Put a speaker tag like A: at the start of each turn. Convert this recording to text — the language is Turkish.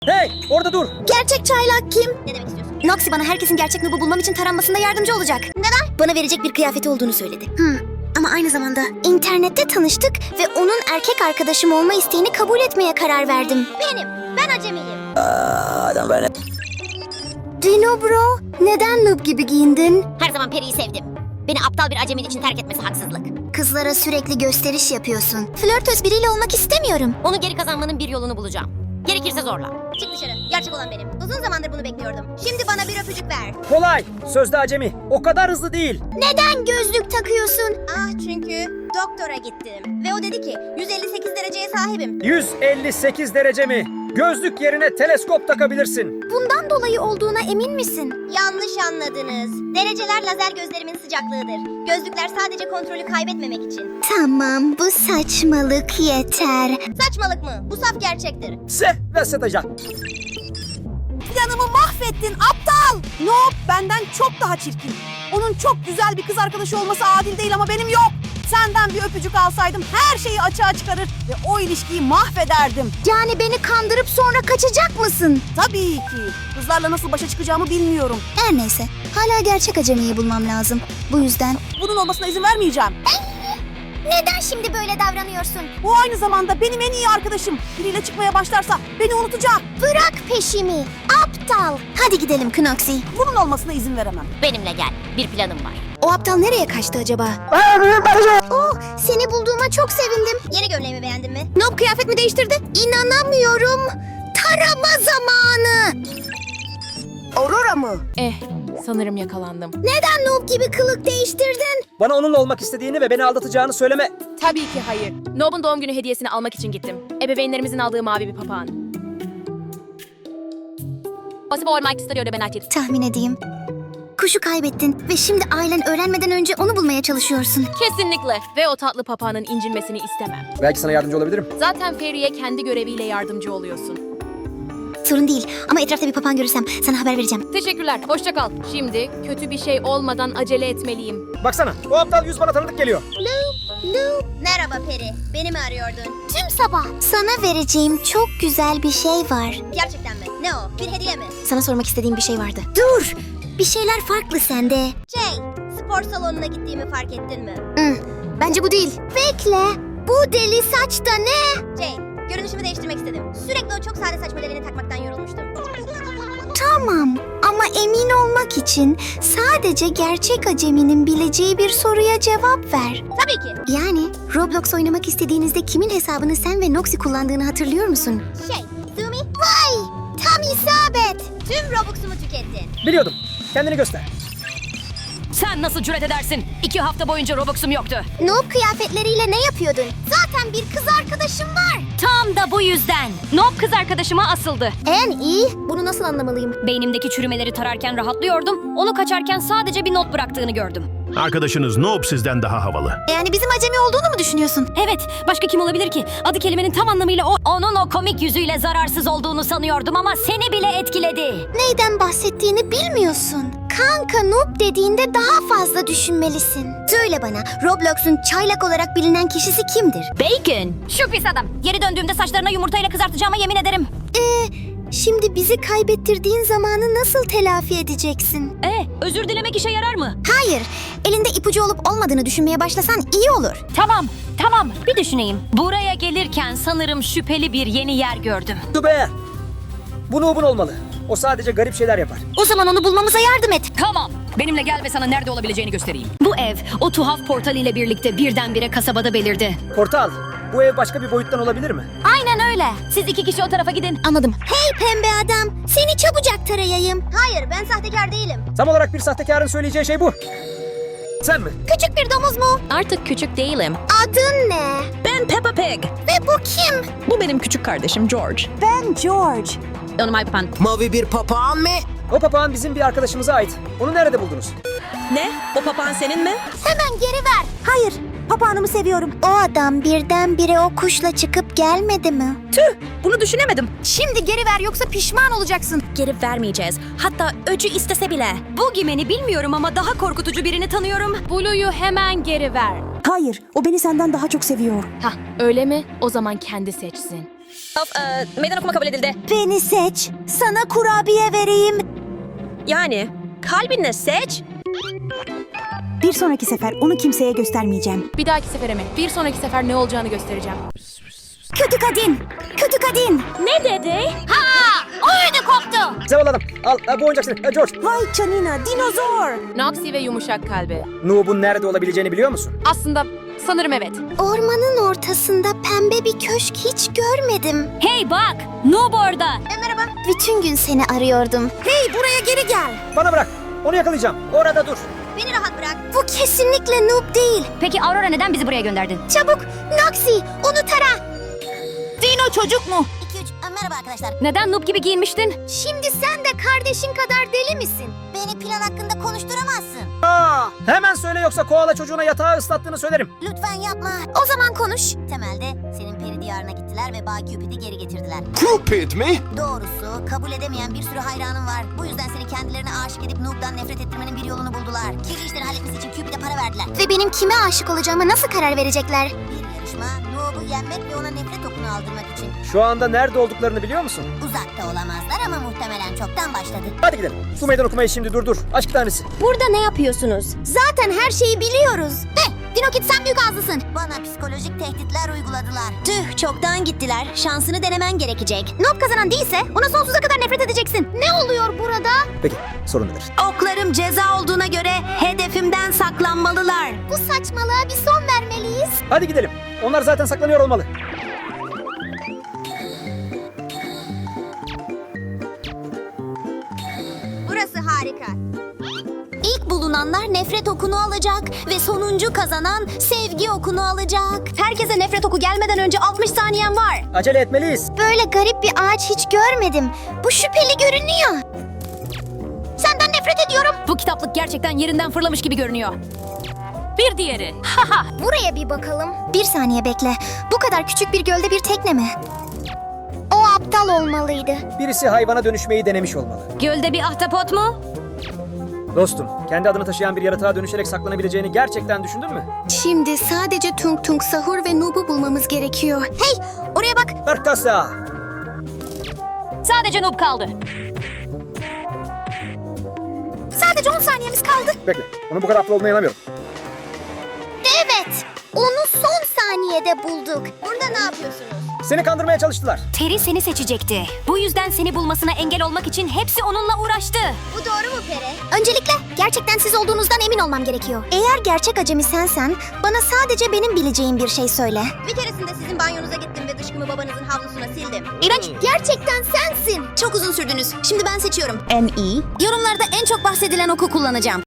A: Hey, orada dur.
B: Gerçek çaylak kim?
C: Ne demek istiyorsun?
B: Noxy bana herkesin gerçek Noob'u bulmam için taranmasında yardımcı olacak. Neden? Bana verecek bir kıyafeti olduğunu söyledi. Ama aynı zamanda internette tanıştık ve onun erkek arkadaşım olma isteğini kabul etmeye karar verdim.
C: Ben acemiyim.
B: Dino bro, neden Noob gibi giyindin?
C: Her zaman Peri'yi sevdim. Beni aptal bir acemin için terk etmesi haksızlık.
B: Kızlara sürekli gösteriş yapıyorsun. Flörtöz biriyle olmak istemiyorum.
C: Onu geri kazanmanın bir yolunu bulacağım. Gerekirse zorla. Çık dışarı. Gerçek olan benim. Uzun zamandır bunu bekliyordum. Şimdi bana bir öpücük ver.
A: Kolay. Sözde acemi. O kadar hızlı değil.
B: Neden gözlük takıyorsun?
C: Çünkü doktora gittim. Ve o dedi ki 158 dereceye sahibim.
A: 158 derece mi? Gözlük yerine teleskop takabilirsin.
B: Bundan dolayı olduğuna emin misin?
C: Yanlış anladınız. Dereceler lazer gözlerimin sıcaklığıdır. Gözlükler sadece kontrolü kaybetmemek için.
B: Tamam, bu saçmalık yeter.
C: Saçmalık mı? Bu saf gerçektir.
A: Se ve satacak.
D: Planımı mahvettin aptal. Noob benden çok daha çirkin. Onun çok güzel bir kız arkadaşı olması adil değil ama benim yok. Senden bir öpücük alsaydım her şeyi açığa çıkarır ve o ilişkiyi mahvederdim.
B: Yani beni kandırıp sonra kaçacak mısın?
D: Tabii ki. Kızlarla nasıl başa çıkacağımı bilmiyorum.
B: Her neyse, hala gerçek acemiyi bulmam lazım. Bu yüzden...
D: Bunun olmasına izin vermeyeceğim.
B: Neden şimdi böyle davranıyorsun?
D: Bu aynı zamanda benim en iyi arkadaşım. Biriyle çıkmaya başlarsa beni unutacak.
B: Bırak peşimi, aptal. Hadi gidelim Knoxy.
D: Bunun olmasına izin veremem.
C: Benimle gel. Bir planım var.
B: O aptal nereye kaçtı acaba? Oh, seni bulduğuma çok sevindim.
C: Yeni gömleğimi beğendin mi?
B: Noob kıyafet mi değiştirdi? İnanamıyorum. Tarama zamanı.
D: Aurora mı?
E: Sanırım yakalandım.
B: Neden Noob gibi kılık değiştirdin?
A: Bana onunla olmak istediğini ve beni aldatacağını söyleme.
E: Tabii ki hayır. Noob'un doğum günü hediyesini almak için gittim. Ebeveynlerimizin aldığı mavi bir papağan. Possible olmak istiyor ben açık.
B: Tahmin edeyim. Kuşu kaybettin ve şimdi ailen öğrenmeden önce onu bulmaya çalışıyorsun.
E: Kesinlikle. Ve o tatlı papağanın incinmesini istemem.
A: Belki sana yardımcı olabilirim.
E: Zaten Fairy'e kendi göreviyle yardımcı oluyorsun.
B: Sorun değil ama etrafta bir papağan görürsem sana haber vereceğim.
E: Teşekkürler. Hoşça kal. Şimdi kötü bir şey olmadan acele etmeliyim.
A: Baksana, o aptal yüz bana tanıdık geliyor.
C: Merhaba Peri. Beni mi arıyordun?
B: Tüm sabah. Sana vereceğim çok güzel bir şey var.
C: Gerçekten mi? Ne o? Bir hediye mi?
B: Sana sormak istediğim bir şey vardı. Dur! Bir şeyler farklı sende.
C: Spor salonuna gittiğimi fark ettin mi?
B: Bence bu değil. Bekle. Bu deli saç da ne?
C: Jane, görünüşümü değiştirmek istedim. Sürekli o çok sade saç modelini takmaktan yorulmuştum.
B: Tamam. Ama emin olmak için sadece gerçek aceminin bileceği bir soruya cevap ver.
C: Tabii ki.
B: Yani Roblox oynamak istediğinizde kimin hesabını sen ve Noxy kullandığını hatırlıyor musun?
C: Zumi,
B: Vay! Tam isabet.
C: tüm Robux'umu tükettin.
A: Biliyordum. Kendini göster.
F: Sen nasıl cüret edersin? 2 hafta boyunca Robux'um yoktu.
B: Noob kıyafetleriyle ne yapıyordun? Zaten bir kız arkadaşım var.
F: Tam da bu yüzden. Noob kız arkadaşıma asıldı.
B: En iyi. Bunu nasıl anlamalıyım?
F: Beynimdeki çürümeleri tararken rahatlıyordum. Onu kaçarken sadece bir not bıraktığını gördüm.
G: Arkadaşınız Noob sizden daha havalı.
B: Yani bizim acemi olduğunu mu düşünüyorsun?
F: Evet, başka kim olabilir ki? Adı kelimenin tam anlamıyla o. Onun o komik yüzüyle zararsız olduğunu sanıyordum ama seni bile etkiledi.
B: Neyden bahsettiğini bilmiyorsun. Kanka Noob dediğinde daha fazla düşünmelisin. Söyle bana, Roblox'un çaylak olarak bilinen kişisi kimdir?
F: Bacon. Şu pis adam. Geri döndüğümde saçlarına yumurtayla kızartacağıma yemin ederim.
B: Şimdi bizi kaybettirdiğin zamanı nasıl telafi edeceksin?
F: Özür dilemek işe yarar mı?
B: Hayır, elinde ipucu olup olmadığını düşünmeye başlasan iyi olur.
F: Tamam. Bir düşüneyim. Buraya gelirken sanırım şüpheli bir yeni yer gördüm.
A: Dur be! Bu Noob'un olmalı. O sadece garip şeyler yapar.
B: O zaman onu bulmamıza yardım et.
F: Tamam. Benimle gel ve sana nerede olabileceğini göstereyim. Bu ev o tuhaf portal ile birlikte birdenbire kasabada belirdi.
A: Portal, bu ev başka bir boyuttan olabilir mi?
F: Aynen öyle. Siz 2 kişi o tarafa gidin.
B: Anladım. Hey pembe adam, seni çabucak tarayayım.
C: Hayır, ben sahtekar değilim.
A: Tam olarak bir sahtekarın söyleyeceği şey bu. Sen mi?
B: Küçük bir domuz mu?
E: Artık küçük değilim.
B: Adın ne?
H: Ben Peppa Pig.
B: Ve bu kim?
H: Bu benim küçük kardeşim George.
D: Ben George.
E: Onu my papağan.
H: Mavi bir papağan mı?
A: O papağan bizim bir arkadaşımıza ait. Onu nerede buldunuz?
H: Ne? O papağan senin mi?
B: Hemen geri ver.
D: Hayır, papağanımı seviyorum.
B: O adam birdenbire o kuşla çıkıp gelmedi mi?
H: Bunu düşünemedim.
D: Şimdi geri ver yoksa pişman olacaksın.
H: Geri vermeyeceğiz. Hatta öcü istese bile.
F: Bu gimeni bilmiyorum ama daha korkutucu birini tanıyorum.
E: Blue'yu hemen geri ver.
D: Hayır, o beni senden daha çok seviyor.
E: Hah, öyle mi? O zaman kendi seçsin.
H: Meydan okuma kabul edildi.
B: Beni seç. Sana kurabiye vereyim.
H: Yani kalbinle seç.
D: Bir sonraki sefer onu kimseye göstermeyeceğim.
E: Bir dahaki sefere mi? Bir sonraki sefer ne olacağını göstereceğim.
B: Kötü kadın. Kötü kadın.
F: Ne dedi?
B: Oyunu koptu.
A: Zavallı adam. Al bu oyuncak senin. George.
D: Vay canina, dinozor.
E: Noxy ve yumuşak kalbi.
A: Noob'un nerede olabileceğini biliyor musun?
E: Aslında sanırım evet.
B: Ormanın ortasında pembe bir köşk hiç görmedim.
F: Hey bak! Noob orada.
B: Merhaba. Bütün gün seni arıyordum.
D: Hey, buraya geri gel.
A: Bana bırak. Onu yakalayacağım. Orada dur.
C: Beni rahat bırak.
B: Bu kesinlikle noob değil.
F: Peki Aurora neden bizi buraya gönderdi?
B: Çabuk Noxy onu tara.
D: Dino çocuk mu?
B: 2-3 merhaba arkadaşlar.
F: Neden noob gibi giyinmiştin?
B: Şimdi sen de kardeşin kadar deli misin? Beni plan hakkında konuşturamazsın.
A: Hemen söyle yoksa koala çocuğuna yatağı ıslattığını söylerim.
B: Lütfen yapma. O zaman konuş. Temelde senin peri diyarına gittiler ve Bay Cupid'i geri getirdiler.
I: Cupid mi?
B: Doğrusu kabul edemeyen bir sürü hayranım var. Bu yüzden seni kendilerine aşık edip Noob'dan nefret ettirmenin bir yolunu buldular. Kirli işleri halletmesi için Cupid'e para verdiler. Ve benim kime aşık olacağıma nasıl karar verecekler? Bir yarışma Noob'u yenmek ve ona nefret okunu aldırmak için.
A: Şu anda nerede olduklarını biliyor musun?
B: Uzakta olamazlar ama muhtemelen çoktan başladı.
A: Hadi gidelim. Bu meydan okumayı şimdi durdur. Aşk tanesi.
B: Burada ne yapıyorsunuz? Zaten her şeyi biliyoruz. Dinokit sen büyük ağzlısın. Bana psikolojik tehditler uyguladılar. Tüh çoktan gittiler. Şansını denemen gerekecek. Noob kazanan değilse ona sonsuza kadar nefret edeceksin. Ne oluyor burada?
A: Peki sorun nedir?
B: Oklarım ceza olduğuna göre hedefimden saklanmalılar. Bu saçmalığa bir son vermeliyiz.
A: Hadi gidelim. Onlar zaten saklanıyor olmalı.
C: Burası harika.
B: İlk bulunanlar nefret okunu alacak ve sonuncu kazanan sevgi okunu alacak. Herkese nefret oku gelmeden önce 60 saniyen var.
A: Acele etmeliyiz.
B: Böyle garip bir ağaç hiç görmedim. Bu şüpheli görünüyor. Senden nefret ediyorum.
F: Bu kitaplık gerçekten yerinden fırlamış gibi görünüyor. Bir diğeri. Haha.
B: Buraya bir bakalım. Bir saniye bekle. Bu kadar küçük bir gölde bir tekne mi? O aptal olmalıydı.
A: Birisi hayvana dönüşmeyi denemiş olmalı.
F: Gölde bir ahtapot mu?
A: Dostum, kendi adını taşıyan bir yaratığa dönüşerek saklanabileceğini gerçekten düşündün mü?
B: Şimdi sadece Tung Tung Sahur ve Noob'u bulmamız gerekiyor. Hey, oraya bak.
A: Arkasa.
F: Sadece noob kaldı.
B: Sadece 10 saniyemiz kaldı.
A: Bekle, onun bu kadar aptal olduğuna inanamıyorum.
B: Evet, onu son saniyede bulduk.
C: Burada ne yapıyorsunuz?
A: Seni kandırmaya çalıştılar.
F: Terry seni seçecekti. Bu yüzden seni bulmasına engel olmak için hepsi onunla uğraştı.
C: Bu doğru mu Pere?
B: Öncelikle gerçekten siz olduğunuzdan emin olmam gerekiyor. Eğer gerçek acemi sensen, bana sadece benim bileceğim bir şey söyle.
C: Bir keresinde sizin banyonuza gittim ve dışkımı babanızın havlusuna sildim.
B: İğrenç, gerçekten sensin. Çok uzun sürdünüz. Şimdi ben seçiyorum. En iyi. Yorumlarda en çok bahsedilen oku kullanacağım.